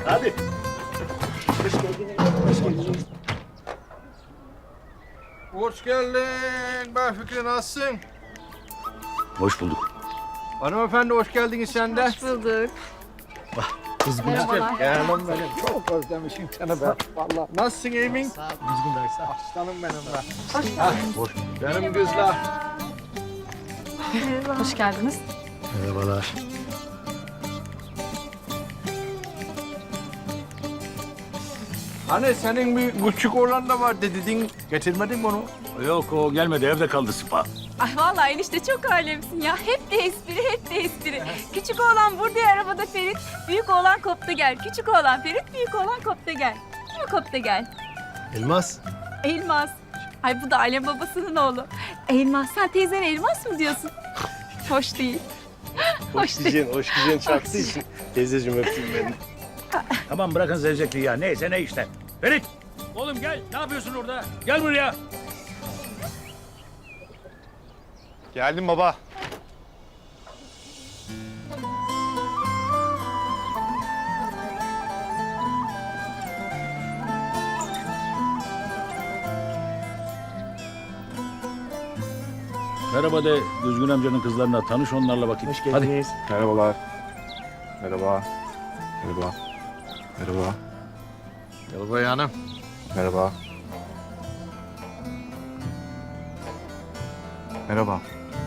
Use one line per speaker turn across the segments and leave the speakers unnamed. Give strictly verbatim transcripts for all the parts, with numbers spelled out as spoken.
Hadi.
Hoş geldin.
Hoş geldin. Ben Fikri, nasılsın?
Hoş bulduk.
Hanımefendi hoş geldiniz sen de.
Hoş bulduk.
Kız bu
Merhabalar.
Canım benim. Çok özlemişim seni ben. Vallahi. Nasılsın Emin?
Düzgün ders.
Aslanım benim ben.
Hoş geldiniz.
Hoş. Benim kızlar.
Hoş geldiniz.
Merhabalar.
Hani senin bir küçük oğlan da vardı dedin. Getirmedin mi onu?
Yok o gelmedi evde kaldı Sıpa.
Ay vallahi enişte çok alemsin ya. Hep de espri, hep de espri. Küçük oğlan burada ya, arabada Ferit. Büyük oğlan kopta gel. Küçük oğlan Ferit, büyük oğlan kopta gel. Değil mi kopta gel?
Elmas.
Elmas. Ay bu da alem babasının oğlu. Elmas, sen teyzen Elmas mı diyorsun? Hoş değil.
Hoş diyeceksin, hoş diyeceksin çarptığı için. Teyzeciğim öpeyim beni.
Tamam bırakın zevzekliği ya. Neyse ne işte. Ferit. Oğlum gel. Ne yapıyorsun orada? Gel buraya.
Geldim baba.
Merhaba de Düzgün amcanın kızlarına. Tanış onlarla bakayım.
Hoş geldiniz. Merhabalar. Merhaba. Merhaba. Merhaba.
Yalvay hanım.
Merhaba. Merhaba.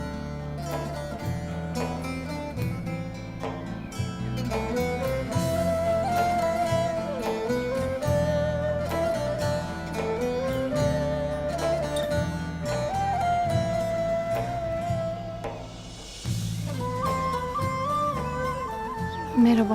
Merhaba.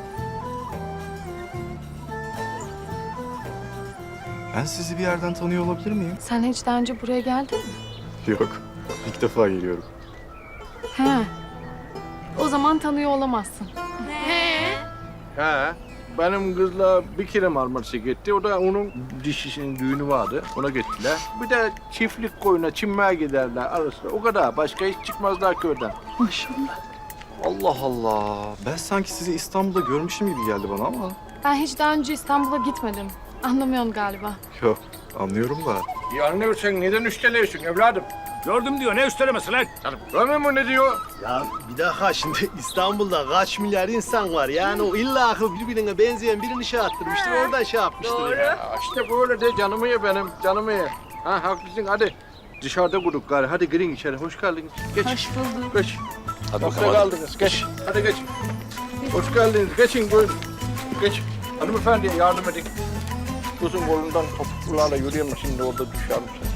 Ben sizi bir yerden tanıyor olabilir miyim?
Sen hiç daha önce buraya geldin mi?
Yok. İlk defa geliyorum.
He. O zaman tanıyor olamazsın.
He. Benim kızla bir kere Marmaris'e gitti. O da onun dişisinin düğünü vardı. Ona gittiler. Bir de çiftlik koyuna çinmeye giderler arasında. O kadar. Başka hiç çıkmazlar köyden.
Maşallah.
Allah Allah. Ben sanki sizi İstanbul'da görmüşüm gibi geldi bana ama.
Ben hiç daha önce İstanbul'a gitmedim. Anlamıyorsun galiba.
Yok. Anlıyorum da.
Ya anne sen neden üsteliyorsun evladım?
Gördüm diyor. Ne üstelemesi lan?
Canım görmüyor musun ne diyor?
Ya bir dakika şimdi İstanbul'da kaç milyar insan var. Yani o illa birbirine benzeyen birini şey attırmıştır. Oradan şey yapmıştır ya.
Ya işte böyle de canımı ye benim, canımı ye. Ha haklısın hadi. Dışarıda kurduk gari. Hadi girin içeri. Hoş geldiniz. Geç.
Hoş bulduk.
Geç.
Hadi
Sofra
bakalım. hadi.
kaldınız. Geç. Hadi geç. Hoş geldiniz. Geçin buyurun. Geç. Hanımefendiye yardım edin. Kızın kolundan topuklarla yürüyemez şimdi orada düşer misin?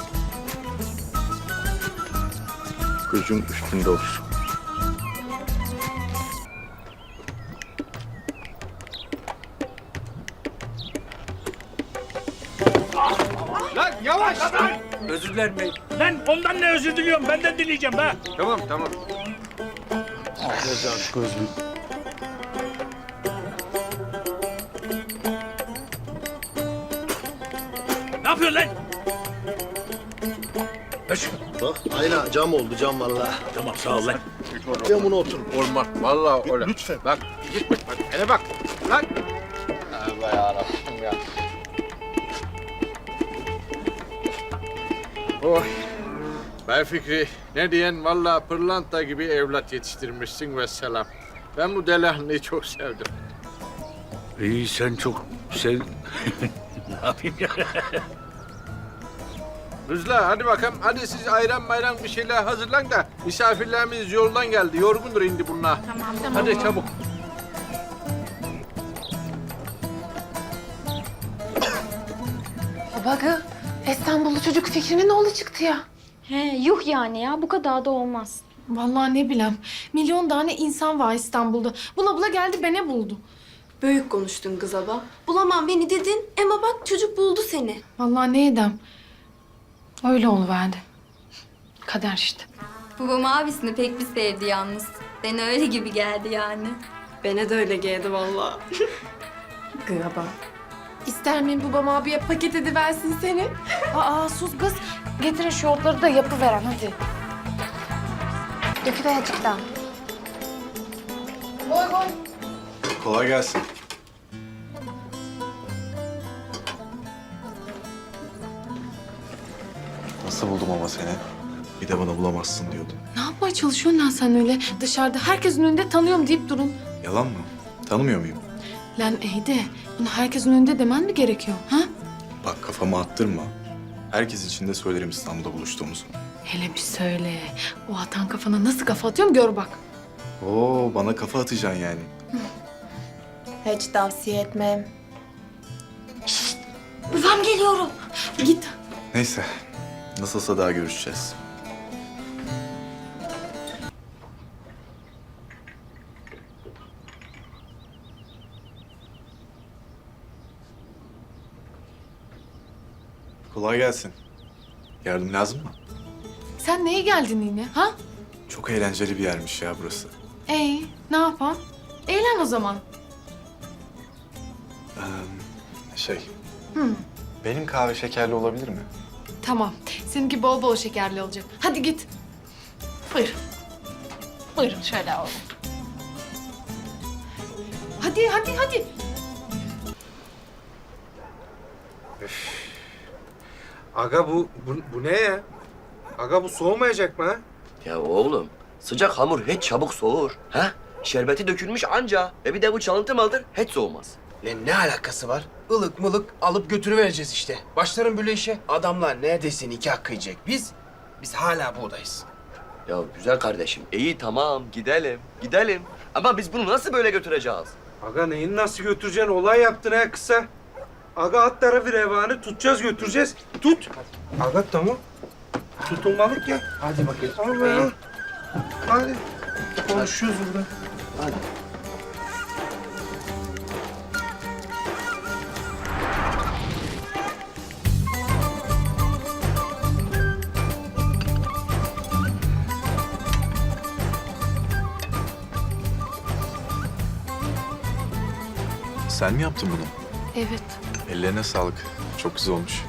Gözün üstünde olsun. Lan yavaş! Lan! Özür dilerim.
Lan ondan ne özür diliyorum? Benden dileyeceğim be.
Tamam tamam.
Gözlüğü.
Ne yapıyorsun lan? Öş.
Bak aynen cam oldu cam vallahi.
Tamam sağ ol lan.
Camına otur.
Olmaz. Vallahi öyle.
Lütfen.
Bak gitme. Bak hele bak. Lan. Allah yarabbim ya. Oh. Ben Fikri. Ne diyen vallahi pırlanta gibi evlat yetiştirmişsin ve selam. Ben bu delihanlıyı çok sevdim.
İyi sen çok sev... ne yapayım ya?
Kızlar hadi bakalım. Hadi siz ayran mayran bir şeyler hazırlan da misafirlerimiz yoldan geldi. Yorgundur indi bunlar.
Tamam.
Hadi çabuk.
Babagı, İstanbullu çocuk Fikri'nin oğlu çıktı ya.
He, yuh yani ya. Bu kadar da olmaz.
Vallahi ne bileyim. Milyon tane insan var İstanbul'da. Bula bula geldi beni buldu.
Büyük konuştun kız abla. Bulamam beni dedin ama bak çocuk buldu seni.
Vallahi ne edem. Öyle oluverdi. Kader işte.
Babam abisini pek bir sevdi yalnız. Bana öyle gibi geldi yani.
Bana da öyle geldi vallahi.
Gıba. İster miyim babam abiye paket ediversin seni? Aa sus kız. Getirin şu otları da yapıveren hadi. Döküver azıcık daha. Koy koy.
Kolay gelsin.
Nasıl buldum ama seni? Bir de bana bulamazsın diyordun.
Ne yapmaya çalışıyorsun lan sen öyle? Dışarıda herkesin önünde tanıyorum deyip durun.
Yalan mı? Tanımıyor muyum?
Lan iyi de bunu herkesin önünde demen mi gerekiyor? Ha?
Bak kafama attırma. Herkes için de söylerim İstanbul'da buluştuğumuzu.
Hele bir söyle. O atan kafana nasıl kafa atıyorum gör bak.
Oo, bana kafa atacaksın yani.
Hiç tavsiye etmem. Şşt! Babam geliyorum. Git.
Neyse. Nasılsa daha görüşeceğiz. Kolay gelsin. Yardım lazım mı?
Sen neye geldin yine ha?
Çok eğlenceli bir yermiş ya burası.
Ey ne yapalım? Eğlen o zaman.
Ee, şey,
Hı.
benim kahve şekerli olabilir mi?
Tamam. Seninki bol bol şekerli olacak. Hadi git. Buyur. Buyurun şöyle alalım. Hadi hadi hadi.
Aga bu, bu, bu ne ya? Aga bu soğumayacak mı ha?
Ya oğlum, sıcak hamur hiç çabuk soğur. Ha? Şerbeti dökülmüş anca. E bir de bu çalıntı maldır, hiç soğumaz.
Lan ne alakası var? Ilık mılık alıp götürüvereceğiz işte. Başlarım böyle işe. Adamlar neredeyse nikah kıyacak. Biz, biz hala buradayız.
Ya güzel kardeşim, iyi tamam gidelim, gidelim. Ama biz bunu nasıl böyle götüreceğiz?
Aga neyin nasıl götüreceksin? Olay yaptın ha kısa. Aga at tarafı revanı tutacağız götüreceğiz. Tut. Aga tamam. Tutulmalık ya.
Hadi bakayım.
Allah. Hadi. Konuşuyoruz burada.
Sen mi yaptın bunu?
Evet.
Ellerine sağlık. Çok güzel olmuş.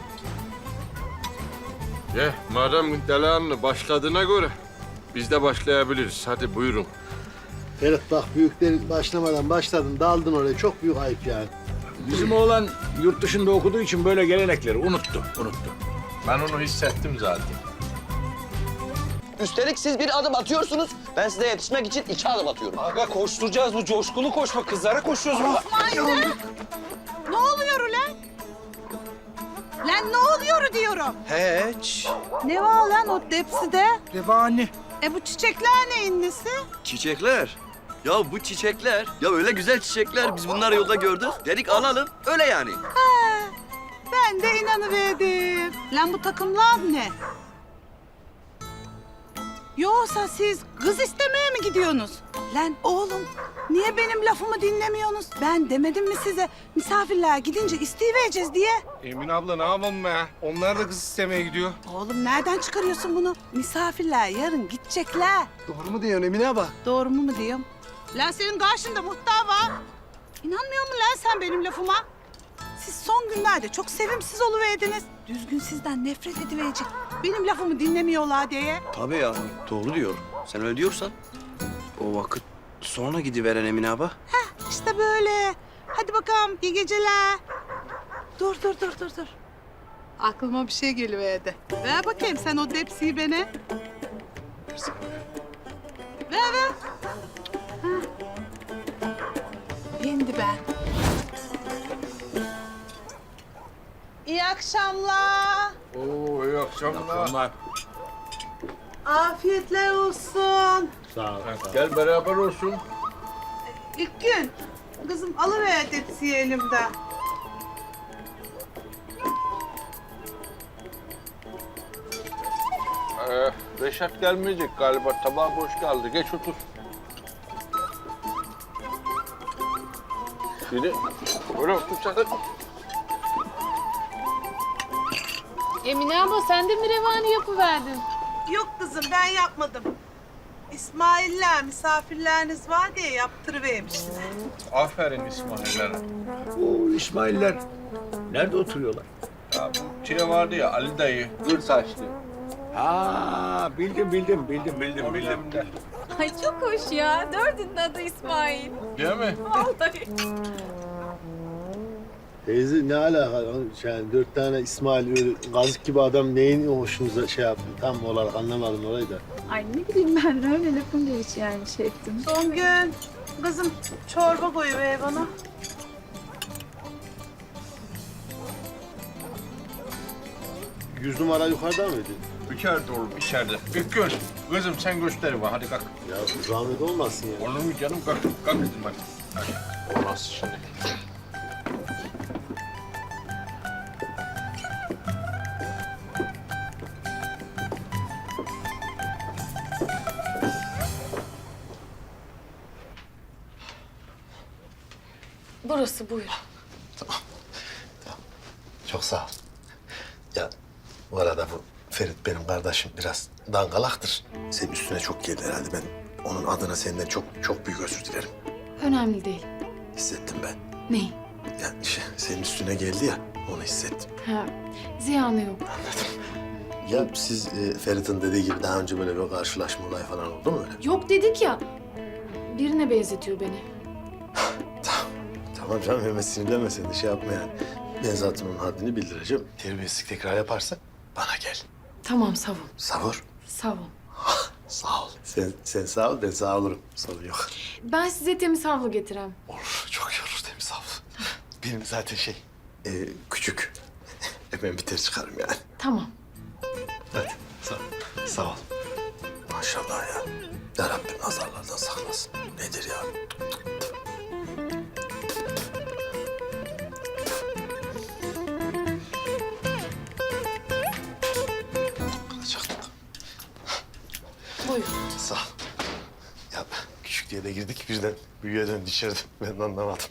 Ye, madem delanlı başladığına göre biz de başlayabiliriz. Hadi buyurun.
Ferit bak büyükler başlamadan başladın daldın oraya çok büyük ayıp yani.
Bizim oğlan yurt dışında okuduğu için böyle gelenekleri unuttu, unuttu.
Ben onu hissettim zaten.
Üstelik siz bir adım atıyorsunuz, ben size yetişmek için iki adım atıyorum.
Aga koşturacağız bu coşkulu koşma. Kızlara koşuyoruz burada.
Ne oluyor ulan? Lan ne oluyor diyorum.
Hiç.
Ne var lan o tepside?
Revani.
E bu çiçekler neyin nesi?
Çiçekler. Ya bu çiçekler, ya öyle güzel çiçekler. Biz bunları yolda gördük. Dedik alalım, öyle yani.
Ben de inanıverdim. Lan bu takımlar ne? Yoksa siz kız istemeye mi gidiyorsunuz? Lan oğlum, niye benim lafımı dinlemiyorsunuz? Ben demedim mi size misafirler gidince isteyivereceğiz diye?
Emin abla ne yapalım be? Onlar da kız istemeye gidiyor.
Oğlum nereden çıkarıyorsun bunu? Misafirler yarın gidecekler.
Doğru mu diyorsun Emine abla?
Doğru mu mu diyorum? Lan senin karşında muhtar var. İnanmıyor musun lan sen benim lafıma? Siz son günlerde çok sevimsiz oluverdiniz. Düzgün sizden nefret ediverecek. Benim lafımı dinlemiyorlar diye.
Tabii ya. Doğru diyor. Sen öyle diyorsan. O vakit sonra gidiveren Emine abla.
İşte böyle. Hadi bakalım iyi geceler. Dur dur dur dur dur. Aklıma bir şey geliverdi. Ver bakayım sen o tepsiyi bana. Ver ver. Ha. Yendi ben. İyi akşamlar.
Oo, iyi akşamlar.
Afiyetler olsun.
Sağ ol.
Gel beraber olsun.
İlk gün kızım alıver tepsiyi elimden.
Ee, Reşat gelmeyecek galiba. Tabağı boş kaldı. Geç otur. Şimdi böyle otur sakın.
Emine abla sen de mi revani yapıverdin?
Yok kızım ben yapmadım. İsmail'ler misafirleriniz var diye yaptırıvermişler.
Aferin İsmail'lere.
Oo İsmail'ler nerede oturuyorlar?
Ya bu Çile vardı ya Ali dayı. Gür saçlı.
Ha bildim bildim bildim bildim bildim.
Ay çok hoş ya. Dördünün adı İsmail.
Değil mi?
Vallahi.
Teyze ne alaka? Yani dört tane İsmail öyle gazık gibi adam neyin hoşunuza şey yaptı? Tam olarak anlamadım orayı da.
Ay ne bileyim ben öyle lafın gelişi yani şey ettim. Son gün kızım çorba koyuver bana.
Yüz numara yukarıda mıydı?
İçeride oğlum, içeride. Bir göz. Kızım sen göster bana, hadi kalk.
Ya zahmet olmasın ya.
Olur mu canım? Kalk, kalk kızım hadi. Hadi. O nasıl şimdi?
Burası buyur.
Çok sağ ol. Ya bu arada bu Ferit benim kardeşim biraz dangalaktır. Senin üstüne çok geldi herhalde. Ben onun adına senden çok çok büyük özür dilerim.
Önemli değil.
Hissettim ben.
Neyi?
Ya şey, senin üstüne geldi ya onu hissettim.
Ha, ziyanı yok.
Ya siz e, Ferit'in dediği gibi daha önce böyle bir karşılaşma olayı falan oldu mu öyle?
Yok dedik ya. Birine benzetiyor beni.
Tamam. Tamam canım hemen sinirlenme sen de şey yapma yani. Ben zaten onun haddini bildireceğim. Terbiyesizlik tekrar yaparsa bana gel.
Tamam savun.
Savur.
Savun.
Sağ ol. Sen, sen sağ ol, ben sağ olurum. Sorun yok.
Ben size temiz havlu getirem.
Olur, çok iyi olur temiz havlu. Benim zaten şey, e, küçük. Hemen biter çıkarım yani.
Tamam.
Hadi, sağ ol. Sağ ol. Maşallah ya. Ya Rabbim nazarlardan saklasın. Nedir ya? Kalacaktık.
Buyur.
Sağ ol. Ya küçük diye de girdik birden büyüye döndü içeride. Ben de anlamadım.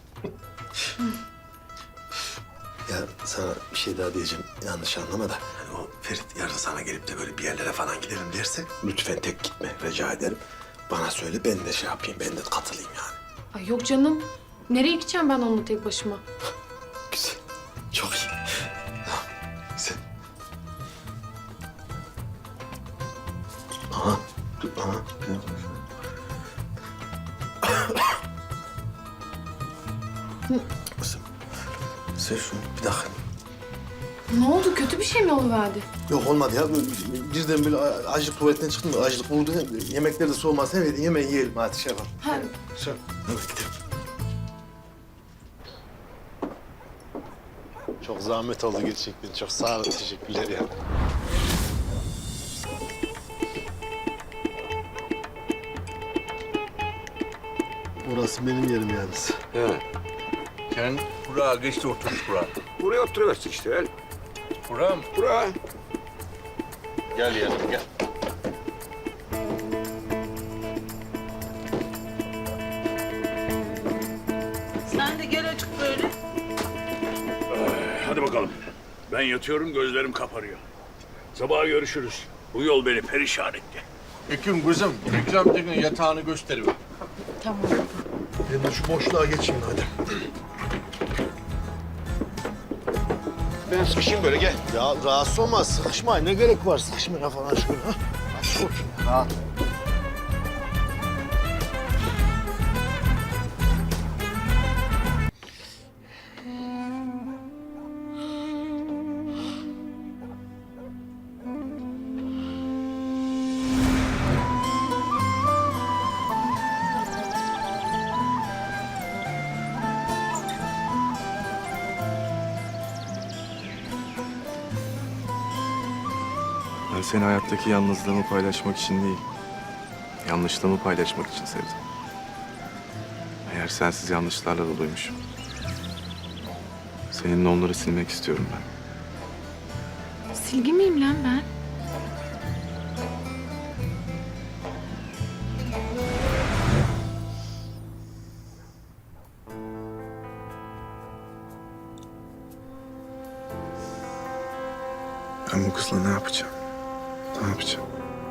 Ya sana bir şey daha diyeceğim. Yanlış anlama da. Hani o Ferit yarın sana gelip de böyle bir yerlere falan gidelim derse lütfen tek gitme rica ederim. Bana söyle ben de şey yapayım, ben de katılayım yani.
Ay yok canım. Nereye gideceğim ben onunla tek başıma?
Güzel. Çok iyi. Tamam. Güzel. Aha. Dur. Aha. Kızım. Sen şunu bir dakika.
Ne oldu? Kötü bir şey mi oluverdi?
Yok olmadı ya. Birden böyle açlık tuvaletten çıktım da açlık vurdu. Yemekler de soğumaz. Evet yemeği yiyelim hadi şey yapalım.
Ha,
Şey hadi gidelim. Çok zahmet oldu gerçekten. Çok sağ olun. Teşekkürler ya. Orası benim yerim yalnız.
He. Sen buraya geç de otur buraya.
Buraya oturuversin işte öyle.
Buraya mı?
Buraya.
Gel yanım gel.
Sen de gel açık böyle.
Hadi bakalım. Ben yatıyorum, gözlerim kaparıyor. Sabah görüşürüz. Bu yol beni perişan etti.
Ekim kızım, Ekrem Tekin yatağını gösteriver.
tamam.
Ben de şu boşluğa geçeyim hadi.
Ben sıkışayım böyle gel.
Ya rahatsız olma. Sıkışma. Ne gerek var sıkışmaya falan şöyle. Ha? Hadi otur ya. Rahat.
Ben seni hayattaki yalnızlığımı paylaşmak için değil, yanlışlığımı paylaşmak için sevdim. Eğer sensiz yanlışlarla doluymuşum. Seninle onları silmek istiyorum ben.
Silgi miyim lan ben?
Ben bu kızla ne yapacağım? Ne yapacağım?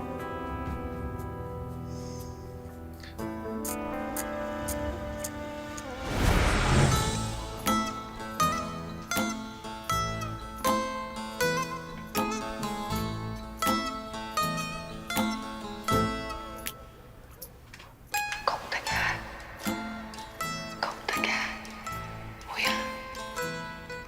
Kopta gel. Kopta gel. Uyan.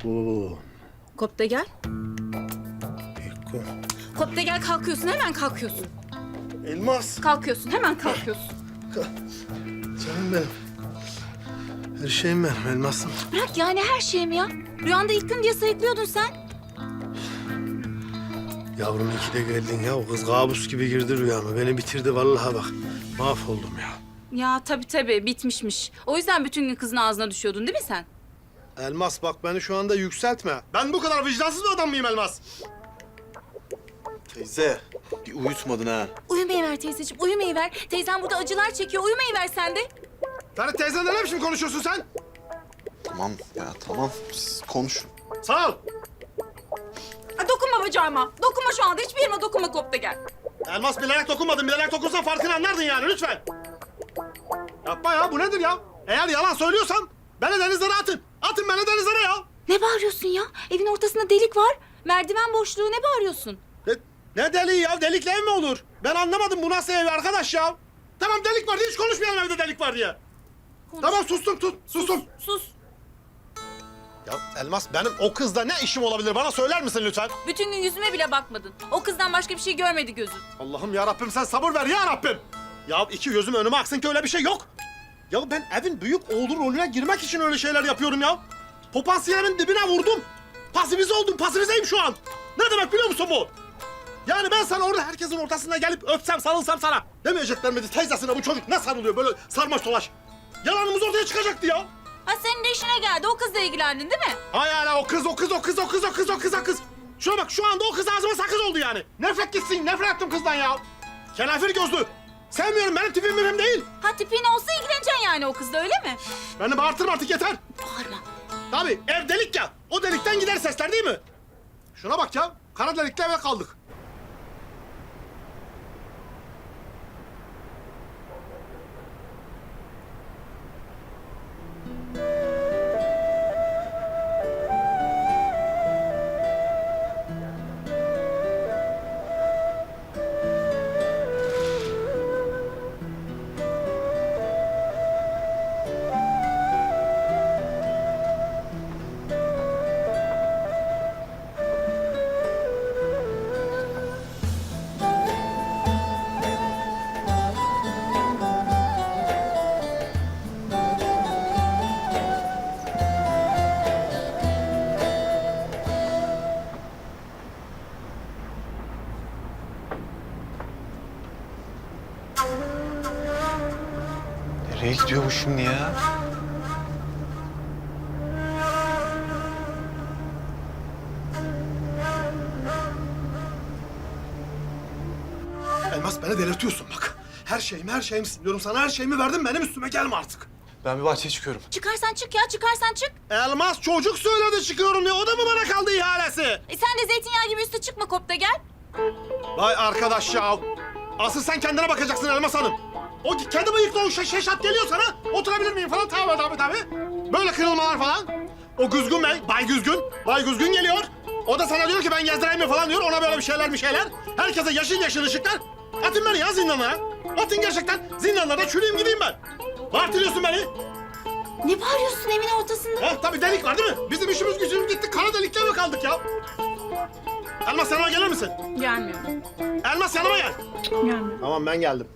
Kum.
Kopta gel.
Bir kum.
Kopta gel kalkıyorsun hemen kalkıyorsun.
Elmas.
Kalkıyorsun hemen kalkıyorsun.
Canım benim. Her şeyim benim elmasım.
Bırak yani her şeyimi ya. Rüyanda ilk gün diye sayıklıyordun sen.
Yavrum iyi ki de geldin ya. O kız kabus gibi girdi rüyama. Beni bitirdi vallahi bak. Mahvoldum ya.
Ya tabii tabii bitmişmiş. O yüzden bütün gün kızın ağzına düşüyordun değil mi sen?
Elmas bak beni şu anda yükseltme. Ben bu kadar vicdansız bir adam mıyım Elmas? Teyze bir uyutmadın ha.
Uyumayı ver teyzeciğim, uyumayı ver. Teyzem burada acılar çekiyor, uyumayı ver sen de.
Ferit teyzenle ne biçim konuşuyorsun sen?
Tamam ya tamam. Siz konuşun.
Sağ ol.
Aa, dokunma bacağıma. Dokunma şu anda. Hiçbir yerime dokunma Kopta gel.
Elmas bilerek dokunmadın. Bilerek dokunsan farkını anlardın yani lütfen. Yapma ya bu nedir ya? Eğer yalan söylüyorsan beni denizlere atın. Atın beni denizlere ya.
Ne bağırıyorsun ya? Evin ortasında delik var. Merdiven boşluğu ne bağırıyorsun?
Ne, ne deliği ya? Delikle ev mi olur? Ben anlamadım bu nasıl ev arkadaş ya? Tamam delik var diye hiç konuşmayalım evde delik var diye.
Konuş.
Tamam sustum tut, sustum.
Sus.
Ya Elmas benim o kızla ne işim olabilir? Bana söyler misin lütfen?
Bütün gün yüzüme bile bakmadın. O kızdan başka bir şey görmedi gözün.
Allah'ım ya Rabbim sen sabır ver ya Rabbim. Ya iki gözüm önüme aksın ki öyle bir şey yok. Ya ben evin büyük oğlu rolüne girmek için öyle şeyler yapıyorum ya. Popansiyelimin dibine vurdum. Pasifize oldum, pasifizeyim şu an. Ne demek biliyor musun bu? Yani ben sana orada herkesin ortasında gelip öpsem, sarılsam sana. Demeyecekler miydi teyzesine bu çocuk ne sarılıyor böyle sarmaş dolaş. Yalanımız ortaya çıkacaktı ya.
Ha senin de işine geldi. O kızla ilgilendin değil mi?
Hay hala o kız, o kız, o kız, o kız, o kız, o kız, o kız. Şuna bak şu anda o kız ağzıma sakız oldu yani. Nefret gitsin, nefret ettim kızdan ya. Kenafir gözlü. Sevmiyorum, benim tipim mühim değil.
Ha tipin olsa ilgileneceksin yani o kızla öyle mi?
Beni bağırtırma artık yeter.
Bağırma.
Tabii ev delik ya. O delikten gider sesler değil mi? Şuna bak ya. Kara delikle eve kaldık.
Nereye gidiyor bu şimdi ya?
Elmas beni delirtiyorsun bak. Her şeyimi, her şeyimi diyorum sana. Her şeyimi verdim. Benim üstüme gelme artık.
Ben bir bahçeye çıkıyorum.
Çıkarsan çık ya çıkarsan çık.
Elmas çocuk söyledi çıkıyorum ya. O da mı bana kaldı ihalesi?
E sen de zeytinyağı gibi üstü çıkma Kopta gel.
Vay arkadaş ya. Asıl sen kendine bakacaksın Elmas Hanım. O kendi bıyıklı o şe- şeşat geliyor sana. Oturabilir miyim falan. Tabii tabii tabii. Böyle kırılmalar falan. O Güzgün Bey, Bay Güzgün. Bay Güzgün geliyor. O da sana diyor ki ben gezdireyim mi falan diyor. Ona böyle bir şeyler bir şeyler. Herkese yeşil yeşil ışıklar. Atın beni ya zindanlara. Atın gerçekten. Zindanlarda çürüyeyim gideyim ben. Bağırtırıyorsun beni.
Ne bağırıyorsun evin ortasında?
Ha tabii delik var değil mi? Bizim işimiz gücümüz gitti. Kara delikle mi kaldık ya? Elmas yanıma gelir misin?
Gelmiyorum.
Elmas yanıma gel.
Gelmiyorum.
Tamam ben geldim.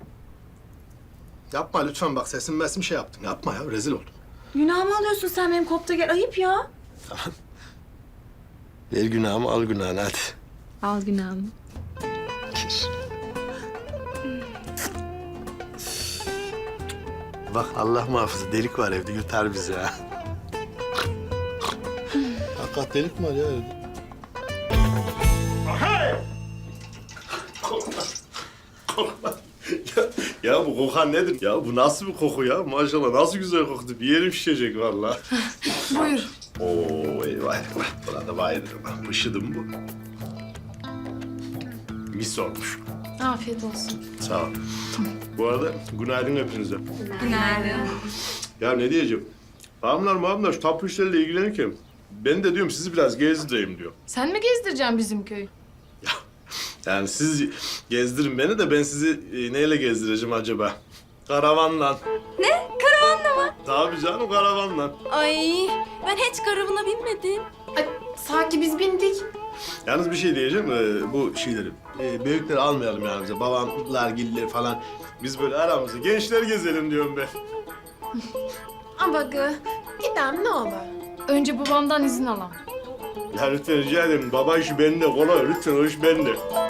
Yapma lütfen bak sesim mesim şey yaptım. Yapma ya rezil oldum.
Günahımı alıyorsun sen benim Kopta gel. Ayıp ya.
Ver günahımı al günahını hadi.
Al günahımı.
Bak Allah muhafızı delik var evde yutar bizi ha. Hakikat delik mi var ya evde?
ya, ya bu kokan nedir? Ya bu nasıl bir koku ya? Maşallah nasıl güzel koktu. Bir yerim şişecek vallahi.
Buyur.
Oo eyvah eyvah. Buna da bayılırım ben. Pışıdım bu. Mis olmuş.
Afiyet olsun.
Sağ ol. Bu arada günaydın hepinize.
Günaydın.
Ya ne diyeceğim? Bağımlar mağamlar şu tapu işleriyle ilgilenirken ben de diyorum sizi biraz gezdireyim diyor.
Sen mi gezdireceksin bizim köyü?
Yani siz gezdirin beni de ben sizi e, neyle gezdireceğim acaba? Karavanla.
Ne? Karavanla mı?
Tabii canım karavanla.
Ay ben hiç karavana binmedim.
Ay, sanki biz bindik.
Yalnız bir şey diyeceğim. ee, bu şeyleri, ee, büyükleri almayalım yani bize. Babamlar, giller falan. Biz böyle aramızda gençler gezelim diyorum ben.
Ama gı, gidem ne olur.
Önce babamdan izin alam.
Ya lütfen rica ederim. Baba işi bende, kolay. Lütfen o iş bende.